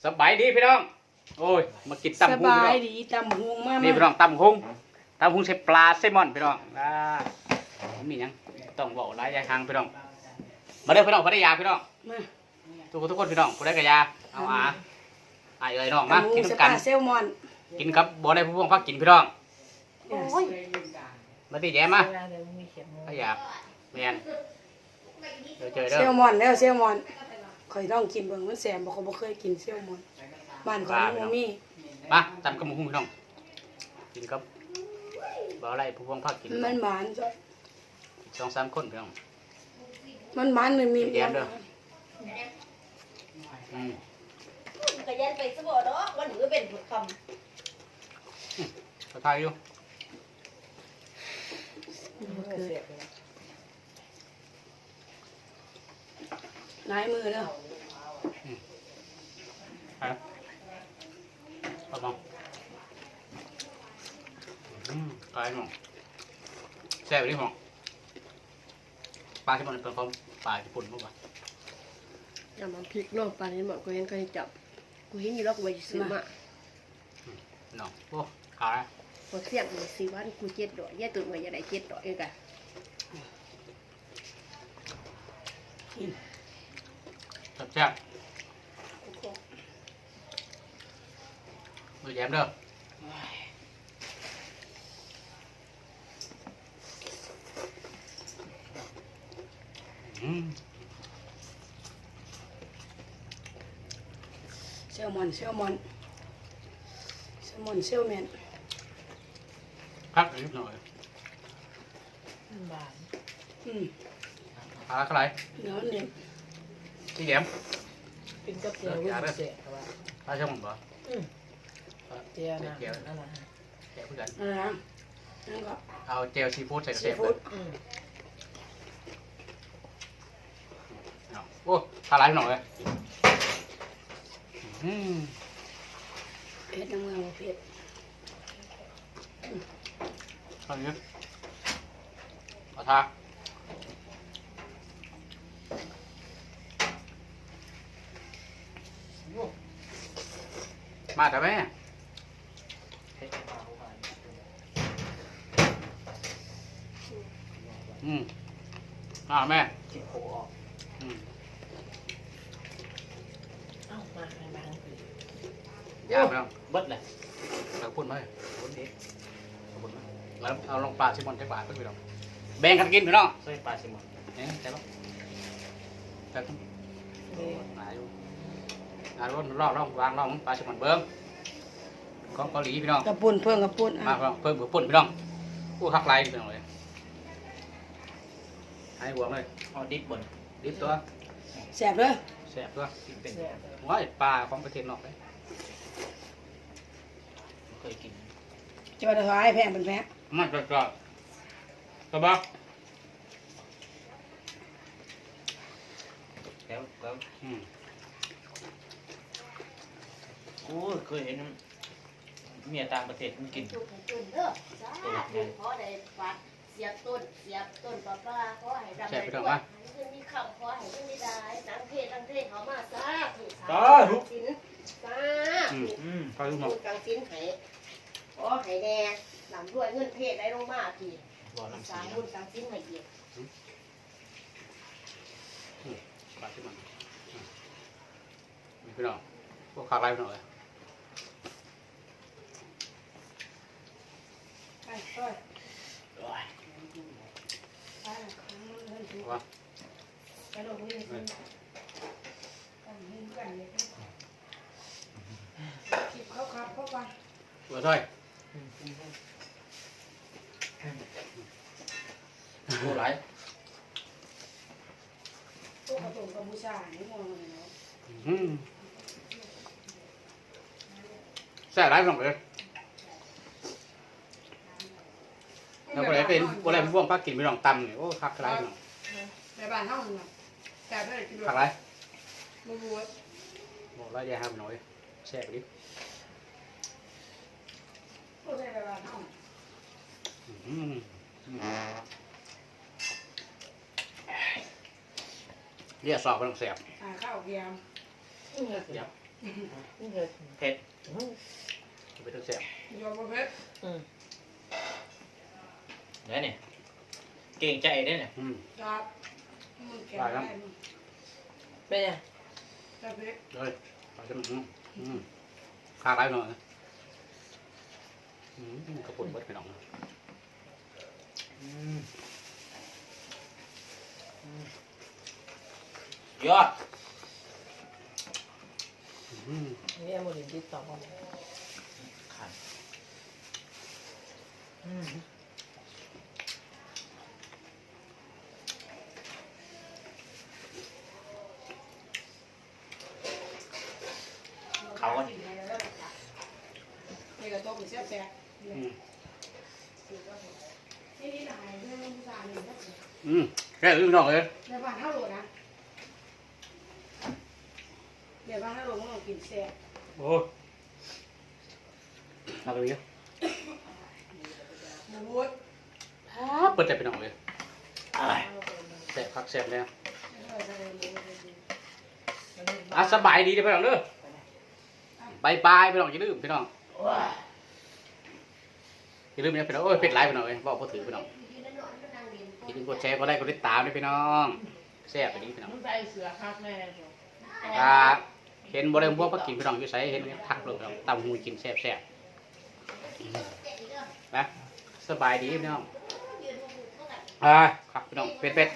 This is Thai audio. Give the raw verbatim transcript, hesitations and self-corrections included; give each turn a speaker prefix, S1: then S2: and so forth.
S1: สบายดีพี่น้องโอ้ยมากินตำ
S2: ส
S1: หุ้ง
S2: บา
S1: พี่น้
S2: ย
S1: อง
S2: ดีตำหงมาก
S1: นี่พี่น้องตำหุ้งตำหุ้งใส่ปลาแซลมอนพี่น้องอ่ามีหยังต้องบอกหลายอย่างทางพี่น้องมาเด้อพี่น้องพัทยาพี่น้อง
S2: มา
S1: ทุกคนทุกคนพี่น้องผู้ใดกระยาเอาอาอายเอ้ยน้องมา
S2: ตำห
S1: กิ
S2: ง
S1: น
S2: ส
S1: น้ำกั
S2: ปาน เซลมอน
S1: กินครับบ่ได้ผู้พวงพักกินพี่น้อง
S2: โอ้ย
S1: มาที่แย้มมาพัทยาแมนเดี๋ยวเจอเด้
S2: เซล
S1: อ
S2: มอนแล้วเซลมอนข่อยต้องกินเบิ่งมันแสบบ่เขาบ่เคยกินเซลมอนบ้านของบ่มี
S1: มาตำกระหมูหุ้งพี่น้องกินครับบ่อะไรผู้พวงพักกิน
S2: มันหวานจ้ะ
S1: สองสามคนพี่น้อง
S2: มันหวานมันมี
S1: แยมเด้อ อืม
S3: ก็ยันไปสบอเนาะวันหนึ่งก็เป็นค
S1: ก็ทายอยู่
S2: นายมือเด้อ
S1: ไปเอาลองอืมกายหมองแซ่บไปดิหมองปลาที่มันเป็นของปลาญี่ปุ่นมั้งวะ
S4: อย่ามาพลิกโลกปานนี้บอกกูเห็นเคยจับกูเห็นอยู่แล้วกูไปซื้อมา
S1: เนาะโอ้ขาย
S4: พอเสี่ยงเลยซื้อวันกูเจ็ดดอกแย่ตื่นมาอย่าได้เจ็ดดอกเองกัน
S1: แซ่บแซ่บมือแย้มเด้ออืม
S2: เซลมอนเซลมอนเซลมอนเซลแมน
S1: พักนิดหน่อย
S2: อืม
S1: ปลาอะไร
S2: เดี๋ยวมันเด็ด
S1: ที่แย้ม
S5: เป็นกับเจียววิ่งเสียครับว่า
S1: ปลาช่างบ่
S5: เจียวนะนั่นแหละ
S1: แกะเพื่อน
S2: อะไรนะนั่นก็
S1: เอาเจลซีฟู้ดใส่
S2: ซี
S1: เสียบ
S2: ฟู้
S1: เล
S2: ด
S1: ยเอาโอ้ปลาไหลหน่อยเลยอืม
S2: เผ็ดน้ำเมืองบ่เผ็ด
S1: เอาอย่างนี้เอาทามาแต่แม่อืมมาแม่
S5: จิบโผออก
S1: อืม
S5: เอ้ามาในบ้าน
S1: ยากไปแล้ว
S5: เบิดเลย
S1: เราพูดไหม
S5: คนเด็ก
S1: เราพูดไหมแล้วเอาลงปลาชิมอนจักบาทก็ไปลองแบ่งกันกินพี่น้อง
S5: ใส่ปลาซิมอน
S1: เนี่ยใช่ปะแต่ต้องหาอยู่หาดูรอบรอบวางรอบปลาชิมอนเบิ้งของเกาหลีพี่น้อง
S2: กระปุ่นเพิ่งกระปุ่น
S1: มา
S2: อ่ะ
S1: เพิ่มเพิ่มปุ่นพี่น้องผู้คักไล่พี่น้องเลยให้หวงเลย
S5: เอาดิบบน
S1: ดิบตัว
S2: แสบเด้อ
S1: แสบตัว
S5: กินเป็น
S1: ว้ายปลาของประเทศนอกเลย
S5: เคยกิน
S2: จะมาถวายแพงเป็นแพง
S1: มันก็ก็กระบอก
S5: แล้วแล้ว
S1: อืม
S5: กูเคยเห็นเมียต่างประเทศมันกิน
S3: ำจุดจุดเด้อจ้าถูกขอได้ปัดเสียบต้นเสียบต้นปลาปลาขอให้ดำให้ด้วยให้ขึ้นมีคำขอให้ขึ้นมีได้นังเทศนังเทศเขามาซาถูกสาถูกสินซา
S1: อืม
S5: อืม
S1: ปลาลูกหม
S3: ถู
S1: ก
S3: กกังสินให้ขอให้แน่ลำด้วยเงินเทศได้ลงมาพี่
S5: บ่อน้ำ
S3: สา
S5: สี
S3: มบุญกังสินให้เกียรติ
S1: ปลาชิมอนอืมนี่พี่น้องพวกคักไล่พี่น้องเลย
S2: ไปไป
S1: ว่า
S2: ไปลงมือกันกันเลยคิดเขาครับเข้าไป
S1: ตัวถ้อย
S5: กูไหล
S2: พวกกระตุกกัมพูชานี่มองเลยเนาะ
S1: อืมแซ่บไรพี่น้องเลยแล้วก็เลยเป็นอะไรพวกพักกินพี่น้องตำเนี่ยโอ้คักไรพี่น้อง
S2: ในบ้านเฮาเนาะแต่ไม่ได้กินหรอ
S1: คั
S2: ก
S1: กไร
S2: บ่รู้ว่า
S1: บอกแล้วอย่าห้ามหน่อยแซ่บดิ
S2: พวกในบ้านเฮา
S1: อืมเรียกสอบพี่น้องแซ่บ
S2: อ่าข้าวเกียม
S1: เดี๋ยว
S5: เผ็ด
S1: ไปต้องแซ่บ
S2: ยอมบ่เพชร
S5: อืมเนี่ยเนี่ยเก่งใจเนี่ยเนี่ย
S1: อืม
S2: ครับมันแข็งได้มั้ง
S4: เป็นไง
S2: จ้าเพชร
S1: เลยปลาสมันอืมข้าไรหน่อยอืมกระปุกเบิดไปหน่อย
S5: อืมอืมยอด
S1: อืม
S4: นี่เอาหมดถึงที่สอง
S5: ขันอืมเขาก็
S2: นี่ก็ต้มแซ่บแซ่บ
S1: อืม
S2: นี่นี่หลายเรื่องผู้ชายนี่
S1: อืมแค่อื่นนอกเลย
S2: ในบ้านเฮาโหลนะในบ้านเฮาโหลมันต้องกินแซ่บ
S1: โอ้เอาไปเยอะ
S2: หมูวุ้ด
S1: เปิดใจไปหน่อยเลยแซ่บคักแซ่บแล้วอ่ะสบายดีเด้อพี่น้องเด้อบายบายพี่น้องอย่าลืมพี่น้องอย่าลืมนะพี่น้องโอ้ยเป็ดไลฟ์พี่น้องเอ้ยบอกพอถือพี่น้องอย่าลืมกดแชร์กดไลค์กดติดตามด้วยพี่น้องแซ่บไปดีพี่น้อง
S4: ใส่เสือคักแน่
S1: อ่าเห็นบ่ได้พวกพักกินพี่น้องอยู่ไสเห็นทักเลยพี่น้องตำหูกินแซ่บแซ่บนะสบายดีพี่น้องอ่าครับพี่น้องเป็ดเป็ด